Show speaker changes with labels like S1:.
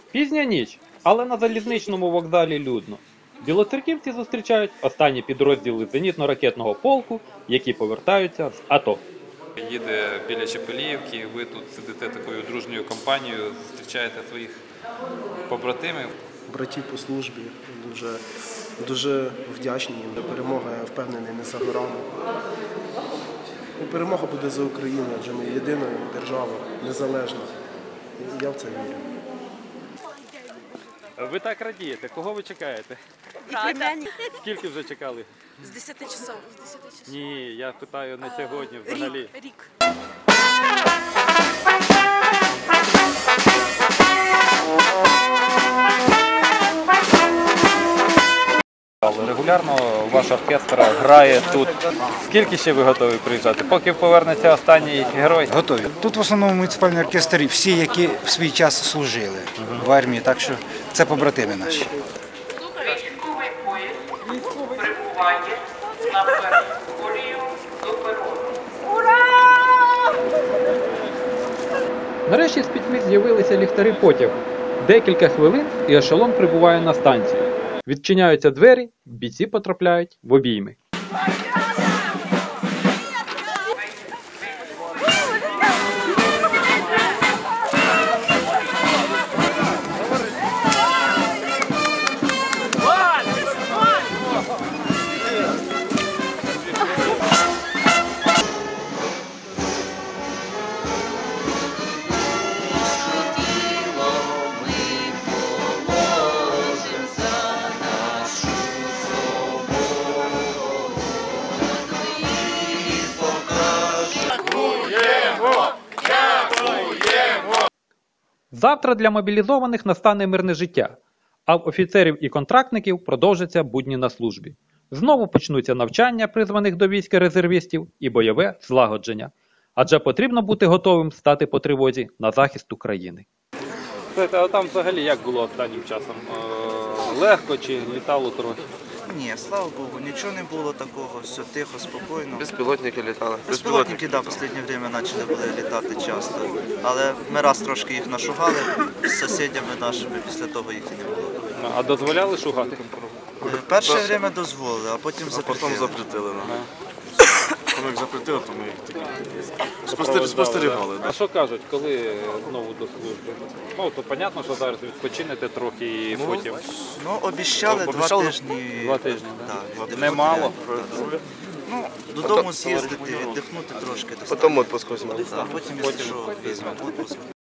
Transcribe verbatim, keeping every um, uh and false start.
S1: Пізня ніч, але на залізничному вокзалі людно. Білоцерківці зустрічають останні підрозділи зенітно-ракетного полку, які повертаються з АТО.
S2: Їде біля Чепеліївки, ви тут сидите такою дружньою компанією, зустрічаєте своїх побратимів.
S3: Братів по службі, дуже, дуже вдячні їм. Перемога, я впевнений, не за горами. І перемога буде за Україну, адже ми єдина держава, незалежна. І я в це вірю.
S1: Ви так радієте. Кого ви чекаєте? Скільки вже чекали?
S4: З десяти часов. З десяти часов.
S1: Ні, я питаю не сьогодні взагалі.
S4: Рік. Рік.
S1: Регулярно ваш оркестр грає тут. Скільки ще ви готові приїжджати? Поки повернеться останній герой?
S5: Готові. Тут в основному муніципальний оркестр, всі, які в свій час служили в армії, так що це побратими наші.
S6: Військовий поїзд прибуває на перискорію до перону.
S1: Нарешті з пітьми з'явилися ліхтари потягу. Декілька хвилин і ешелон прибуває на станцію. Відчиняються двері, бійці потрапляють в обійми. Завтра для мобілізованих настане мирне життя, а в офіцерів і контрактників продовжаться будні на службі. Знову почнуться навчання призваних до війська резервістів і бойове злагодження. Адже потрібно бути готовим стати по тривозі на захист України. А там взагалі як було останнім часом? Легко чи літало трохи?
S7: Ні, слава Богу, нічого не було такого, все тихо, спокійно.
S8: Безпілотники літали.
S7: Безпілотники, так, в останнє время почали були літати часто. Але ми раз трошки їх нашугали з сусідями нашими, після того їх і не було.
S1: А дозволяли шугати?
S7: Перше время дозволили, а потім
S8: А потім
S7: запретили.
S8: запретили. Коли їх запретили, то ми їх такі спостерігали.
S1: А що кажуть, коли знову до служби? Ну, то зрозуміло, що зараз відпочинете трохи і потім.
S7: Ну, обіщали два
S8: Обіщали?
S7: тижні.
S1: Два тижні,
S7: так?
S1: да? Немало.
S7: Ну, додому з'їздити, віддихнути трошки.
S8: Потім відпуск візьмемо.
S7: А потім, якщо що, візьмемо відпуск.